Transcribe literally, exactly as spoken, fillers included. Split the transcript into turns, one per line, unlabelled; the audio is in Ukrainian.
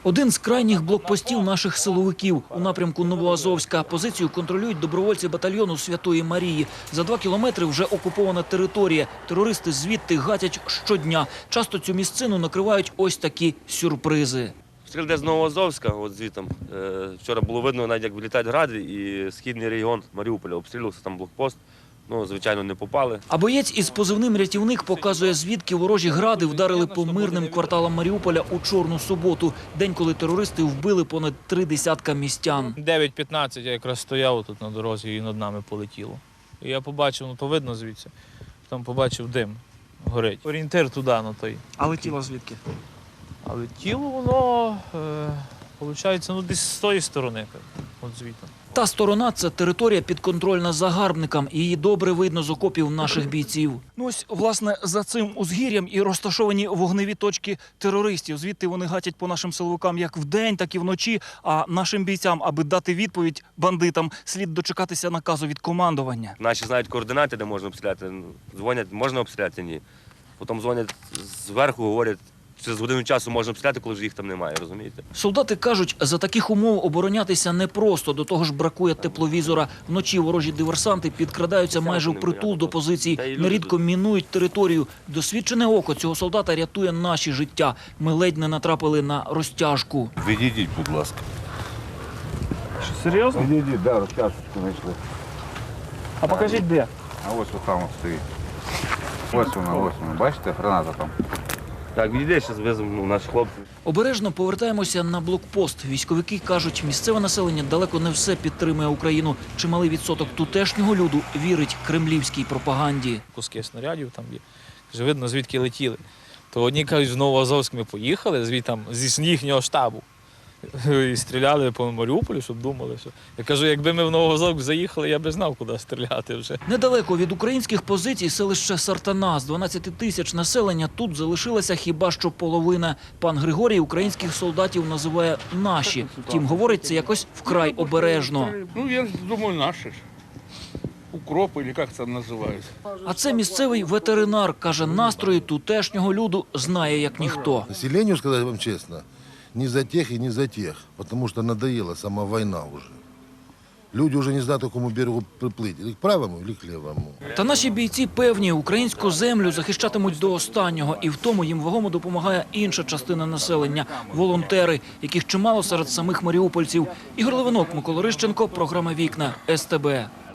Один з крайніх блокпостів наших силовиків у напрямку Новоазовська. Позицію контролюють добровольці батальйону Святої Марії. За два кілометри вже окупована територія. Терористи звідти гатять щодня. Часто цю місцину накривають ось такі сюрпризи.
Стріл де з Новоазовська, от звітом. Вчора було видно, навіть як вилітають гради, і східний регіон Маріуполя обстрілювався, там блокпост. Ну, звичайно, не попали.
А боєць із позивним «Рятівник» показує, звідки ворожі гради вдарили по мирним кварталам Маріуполя у Чорну суботу. День, коли терористи вбили понад три десятка містян.
дев'ять п'ятнадцять я якраз стояв тут на дорозі і над нами полетіло. І я побачив, ну то видно звідси, там побачив дим, горить. Орієнтир туди, на той.
А летіло звідки?
Але тіло воно, е, виходить, ну десь з тої сторони, от звідти.
Та сторона – це територія підконтрольна загарбникам. Її добре видно з окопів наших бійців.
Ну ось, власне, за цим узгір'ям і розташовані вогневі точки терористів. Звідти вони гатять по нашим силовикам як вдень, так і вночі. А нашим бійцям, аби дати відповідь бандитам, слід дочекатися наказу від командування.
Наші знають координати, де можна обстріляти. Дзвонять, можна обстріляти, ні. Потім дзвонять зверху, говорять, через годину часу можна обстріляти, коли ж їх там немає, розумієте?
Солдати кажуть, за таких умов оборонятися непросто, до того ж бракує тепловізора. Вночі ворожі диверсанти підкрадаються майже впритул до позицій, нерідко мінують територію. Досвідчене око цього солдата рятує наші життя. Ми ледь не натрапили на розтяжку.
Відійдіть, будь ласка.
Що, серйозно?
Відійдіть, да, розтяжечку знайшли.
А покажіть де?
А ось там от стоїть. Ось вона, ось вона. Бачите, граната там.
Так, відійде, зараз визвемо наших хлопців.
Обережно повертаємося на блокпост. Військовики кажуть, місцеве населення далеко не все підтримує Україну. Чималий відсоток тутешнього люду вірить кремлівській пропаганді.
Куски снарядів там є. Каже, видно, звідки летіли. То одні кажуть, в Новоазовськ ми поїхали, звідти зі їхнього штабу. І стріляли по Маріуполю, щоб думали, що... Я кажу, якби ми в Новоазовськ заїхали, я б знав, куди стріляти вже.
Недалеко від українських позицій селище Сартана. З дванадцяти тисяч населення тут залишилася хіба що половина. Пан Григорій українських солдатів називає «наші». Втім, говорить це якось вкрай обережно.
Ну, я думаю, наши ж. Укроп, или как это называется.
А це місцевий ветеринар. Каже, настрої тутешнього люду знає як ніхто.
Населению, сказать вам честно, не за тех и не за тех, потому что надоела сама война уже. Люди уже не знают, к какому берегу приплыть, или к правому, или к левому.
Та наші бійці певні, українську землю захищатимуть до останнього. І в тому їм вагомо допомагає інша частина населення – волонтери, яких чимало серед самих маріупольців. Ігор Левинок, Микола Рищенко, програма «Вікна», ес те бе.